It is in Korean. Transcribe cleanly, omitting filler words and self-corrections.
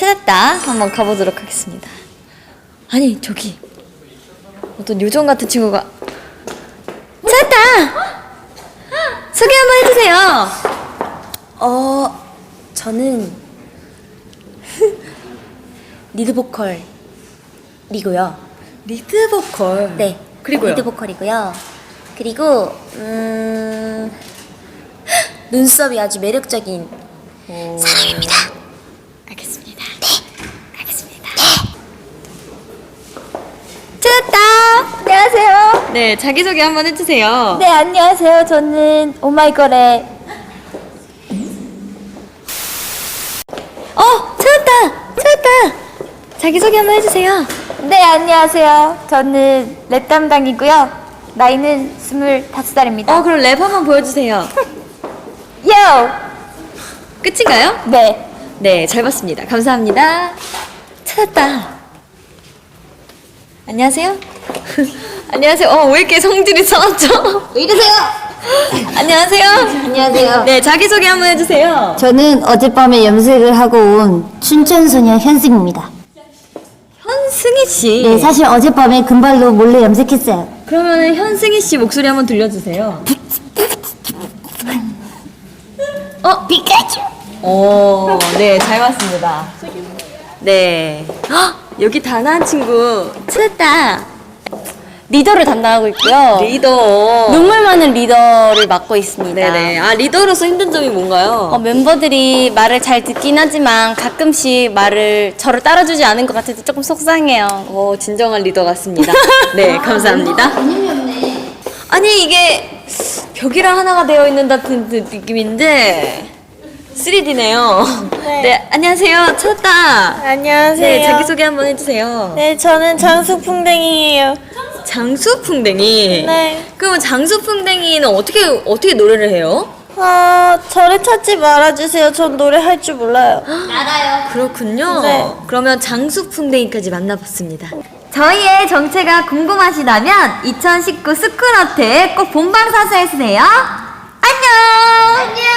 찾았다. 한번 가보도록 하겠습니다. 아니, 저기 어떤 요정 같은 친구가 찾았다! 소개 한번 해주세요. 저는 리드 보컬이고요. 리드 보컬. 네, 그리고요? 리드 보컬이고요. 그리고 눈썹이 아주 매력적인 사람입니다. 알겠습니다. 네, 알겠습니다. 찾았다! 안녕하세요. 네, 자기소개 한번 해주세요. 네, 안녕하세요. 저는 오마이걸의 찾았다! 자기소개 한번 해주세요. 네, 안녕하세요. 저는 랩 담당이고요. 나이는 25살입니다. 그럼 랩 한번 보여주세요. 요! 끝인가요? 네. 네, 잘 봤습니다. 감사합니다. 찾았다. 안녕하세요. 안녕하세요. 왜 이렇게 성질이 상하죠? 왜 이러세요? 안녕하세요. 안녕하세요. 네, 자기소개 한번 해주세요. 저는 어젯밤에 염색을 하고 온 춘천소녀 현승입니다. 현승희 씨. 네, 사실 어젯밤에 금발로 몰래 염색했어요. 그러면 현승희 씨 목소리 한번 들려주세요. 피카츄! 네, 잘 봤습니다. 네. 여기 다나한 친구 찾았다. 리더를 담당하고 있고요. 리더. 눈물 많은 리더를 맡고 있습니다. 네네. 리더로서 힘든 점이 뭔가요? 멤버들이 말을 잘 듣긴 하지만 가끔씩 말을 저를 따라주지 않은 것 같아서 조금 속상해요. 진정한 리더 같습니다. 네, 감사합니다. 아니, 이게 벽이랑 하나가 되어 있는 같은 느낌인데 3D네요. 네, 안녕하세요. 찾았다. 안녕하세요. 네, 자기소개 한번 해주세요. 네, 저는 장수풍뎅이에요. 장수풍뎅이. 네. 그러면 장수풍뎅이는 어떻게 노래를 해요? 저를 찾지 말아주세요. 전 노래 할 줄 몰라요. 그렇군요. 네. 그러면 장수풍뎅이까지 만나봤습니다. 저희의 정체가 궁금하시다면 2019 스쿨어택 꼭 본방사수해주세요. 안녕!